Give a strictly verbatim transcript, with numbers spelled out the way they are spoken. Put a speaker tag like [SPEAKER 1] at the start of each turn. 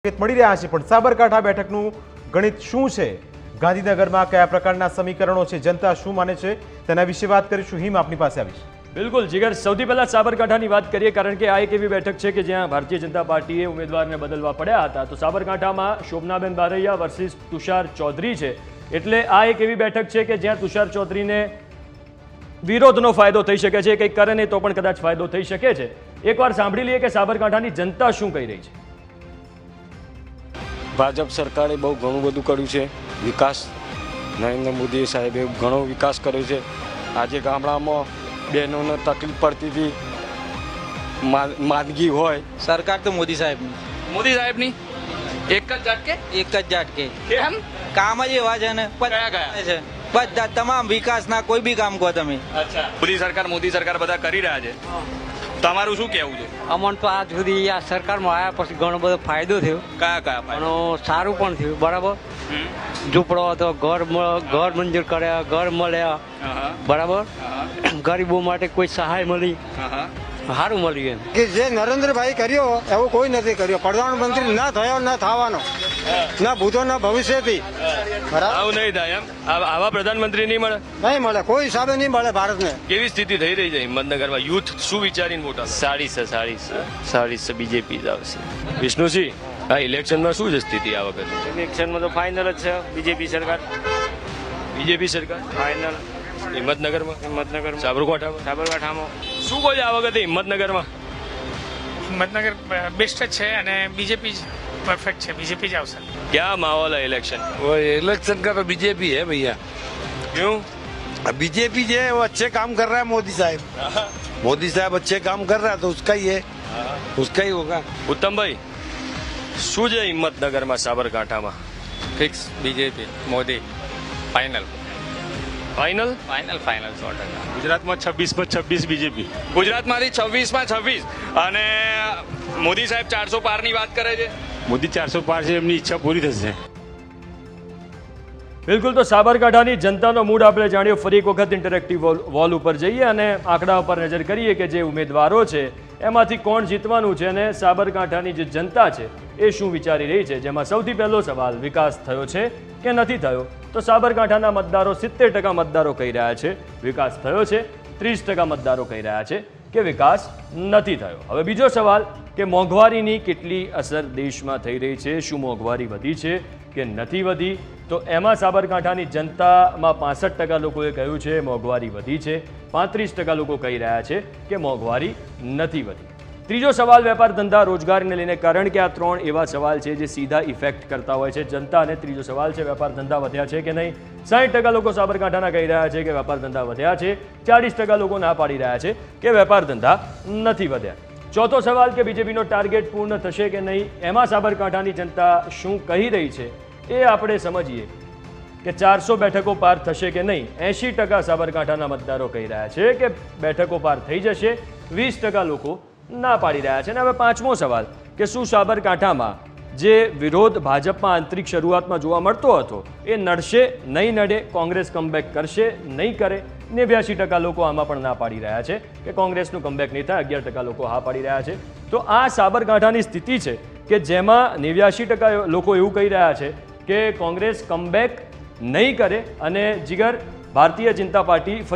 [SPEAKER 1] મળી રહ્યા છે પણ સાબરકાંઠા બેઠકનું ગણિત શું છે, ગાંધીનગરમાં કયા પ્રકારના સમીકરણો છે, જનતા શું માને છે તેના વિશે વાત કરીશું। હિમ આપની પાસે આવીશ।
[SPEAKER 2] બિલકુલ જીગર, સૌથી પહેલા સાબરકાંઠાની વાત કરીએ કારણ કે આ એક એવી બેઠક છે કે જ્યાં ભારતીય જનતા પાર્ટીએ ઉમેદવારને બદલવા પડ્યા હતા। તો સાબરકાંઠામાં શોભનાબેન બારૈયા વર્સિસ તુષાર ચૌધરી છે, એટલે આ એક એવી બેઠક છે કે જ્યાં તુષાર ચૌધરીને વિરોધનો ફાયદો થઈ શકે છે, કંઈક કરે નહીં તો પણ કદાચ ફાયદો થઈ શકે છે। એકવાર સાંભળી લઈએ કે સાબરકાંઠાની જનતા શું કહી રહી છે।
[SPEAKER 3] ભાજપ સરકારે બહુ ઘણું બધું કર્યું છે, વિકાસ નરેન્દ્ર મોદી સાહેબે ઘણો વિકાસ કર્યો છે। આજે ગામડામાં બહેનોને તકલીફ પડતી હતી, માંદગી હોય,
[SPEAKER 4] સરકાર તો મોદી સાહેબની
[SPEAKER 5] મોદી સાહેબની એક જ ઝટકે
[SPEAKER 4] એક જ ઝાટકે
[SPEAKER 5] કેમ
[SPEAKER 4] કામ જ એવા છે ને
[SPEAKER 5] કયા કયા
[SPEAKER 4] છે બધા તમામ વિકાસના કોઈ બી કામ કહો તમે।
[SPEAKER 5] અચ્છા, મોદી સરકાર મોદી સરકાર બધા કરી રહ્યા છે, તમારું શું કહેવું છે?
[SPEAKER 6] અમને તો આજ સુધી આ સરકારમાં આવ્યા પછી ઘણો બધો ફાયદો થયો,
[SPEAKER 5] કયા કયા ફાયદા?
[SPEAKER 6] અને સારું પણ થયું, બરાબર। ઝૂંપડો હતો, ઘર મ- ઘર મંજૂર કર્યા, ઘર મળ્યા,
[SPEAKER 5] હા,
[SPEAKER 6] બરાબર।
[SPEAKER 5] હા,
[SPEAKER 6] ગરીબો માટે કોઈ સહાય મળી,
[SPEAKER 5] હા,
[SPEAKER 6] સારું મળ્યું એમ।
[SPEAKER 7] કે જે નરેન્દ્રભાઈ કર્યો એવું કોઈ નથી કર્યો। પ્રધાનમંત્રી ના થયો ના થવાનો, ના ભૂતો ના ભવિષ્યથી, બરાબર
[SPEAKER 5] આવું નહીં થાય એમ? આ- આવા પ્રધાનમંત્રી નહીં મળે?
[SPEAKER 7] નહીં મળે, કોઈ હિસાબે નહીં મળે ભારતને।
[SPEAKER 5] કેવી સ્થિતિ થઈ રહી છે હિંમતનગરમાં? યુથ શું વિચારીને વોટ આપે?
[SPEAKER 8] સારી છે સારી છે સારી છે બીજેપી જ આવશે।
[SPEAKER 5] વિષ્ણુસિંહ, આ ઇલેક્શનમાં શું છે સ્થિતિ આ વખતે?
[SPEAKER 8] ઇલેક્શનમાં તો ફાઇનલ જ છે બીજેપી સરકાર,
[SPEAKER 5] બીજેપી સરકાર
[SPEAKER 8] ફાઇનલ
[SPEAKER 5] હિંમતનગરમાં,
[SPEAKER 8] હિંમતનગરમાં,
[SPEAKER 5] સાબરકાંઠામાં
[SPEAKER 8] સાબરકાંઠામાં।
[SPEAKER 5] શું કહો છો આ વખતે હિંમતનગરમાં?
[SPEAKER 9] હિંમતનગર બેસ્ટ જ છે અને બીजेपी परफेक्ट है, बीजेपी જ આવશે।
[SPEAKER 5] क्या माहौल है इलेक्शन?
[SPEAKER 10] वो इलेक्शन का तो बीजेपी है भैया।
[SPEAKER 5] क्यों?
[SPEAKER 10] बीजेपी जो है वो अच्छे काम कर रहा है, मोदी साहब मोदी साहब अच्छे काम कर रहा है तो उसका ही है, उसका ही होगा।
[SPEAKER 5] ઉત્તમભાઈ, શું છે હિંમતનગરમાં, સાબરકાંઠામાં?
[SPEAKER 8] Fix BJP Modi, final
[SPEAKER 5] final?
[SPEAKER 8] Final final સો ટકા।
[SPEAKER 5] ગુજરાતમાં છવ્વીસ માં છવ્વીસ બીજેપી, ગુજરાતમાંથી છવ્વીસ માં છવ્વીસ, અને મોદી સાહેબ ચારસો પાર ની વાત કરે છે।
[SPEAKER 11] મોદી ચારસો પાર છે, એમની ઈચ્છા પૂરી થશે।
[SPEAKER 2] બિલકુલ, તો સાબરકાંઠાની જનતાનો મૂડ આપણે જાણ્યો। ફરી એક વખત ઇન્ટરેક્ટિવ વોલ ઉપર જઈએ અને આંકડા ઉપર નજર કરીએ કે જે ઉમેદવારો છે એમાંથી કોણ જીતવાનું છે અને સાબરકાંઠાની જે જનતા છે એ શું વિચારી રહી છે। જેમાં સૌથી પહેલો સવાલ, વિકાસ થયો છે કે નથી થયો? તો સાબરકાંઠાના મતદારો સિત્તેર ટકા મતદારો કહી રહ્યા છે વિકાસ થયો છે, ત્રીસ ટકા મતદારો કહી રહ્યા છે કે વિકાસ નથી થયો। હવે બીજો સવાલ કે મોંઘવારીની કેટલી અસર દેશમાં થઈ રહી છે, શું મોંઘવારી વધી છે કે નથી વધી? તો એમાં સાબરકાંઠાની જનતામાં પાસઠ ટકા લોકોએ કહ્યું છે મોંઘવારી વધી છે, પાંત્રીસ ટકા લોકો કહી રહ્યા છે કે મોંઘવારી નથી વધી। ત્રીજો સવાલ વેપાર ધંધા રોજગારીને લઈને, કારણ કે આ ત્રણ એવા સવાલ છે જે સીધા ઇફેક્ટ કરતા હોય છે જનતાને। ત્રીજો સવાલ છે વેપાર ધંધા વધ્યા છે કે નહીં? સાઠ ટકા લોકો સાબરકાંઠાના કહી રહ્યા છે કે વેપાર ધંધા વધ્યા છે, ચાલીસ ટકા લોકો ના પાડી રહ્યા છે કે વેપાર ધંધા નથી વધ્યા। ચોથો સવાલ કે બીજેપીનો ટાર્ગેટ પૂર્ણ થશે કે નહીં, એમાં સાબરકાંઠાની જનતા શું કહી રહી છે એ આપણે સમજીએ કે ચારસો બેઠકો પાર થશે કે નહીં। એંશી ટકા સાબરકાંઠાના મતદારો કહી રહ્યા છે કે બેઠકો પાર થઈ જશે, વીસ ટકા લોકો ના પાડી રહ્યા છે। અને હવે પાંચમો સવાલ કે શું સાબરકાંઠામાં જે વિરોધ ભાજપમાં આંતરિક શરૂઆતમાં જોવા મળતો હતો એ નડશે નહીં નડે? કોંગ્રેસ કમબેક કરશે નહીં કરે? નેવ્યાસી ટકા લોકો આમાં પણ ના પાડી રહ્યા છે કે કોંગ્રેસનું કમબેક નહીં થાય, અગિયાર ટકા લોકો હા પાડી રહ્યા છે। તો આ સાબરકાંઠાની સ્થિતિ છે કે જેમાં નેવ્યાસી ટકા લોકો એવું કહી રહ્યા છે કે કોંગ્રેસ કમબેક નહીં કરે અને જીગર ભારતીય જનતા પાર્ટી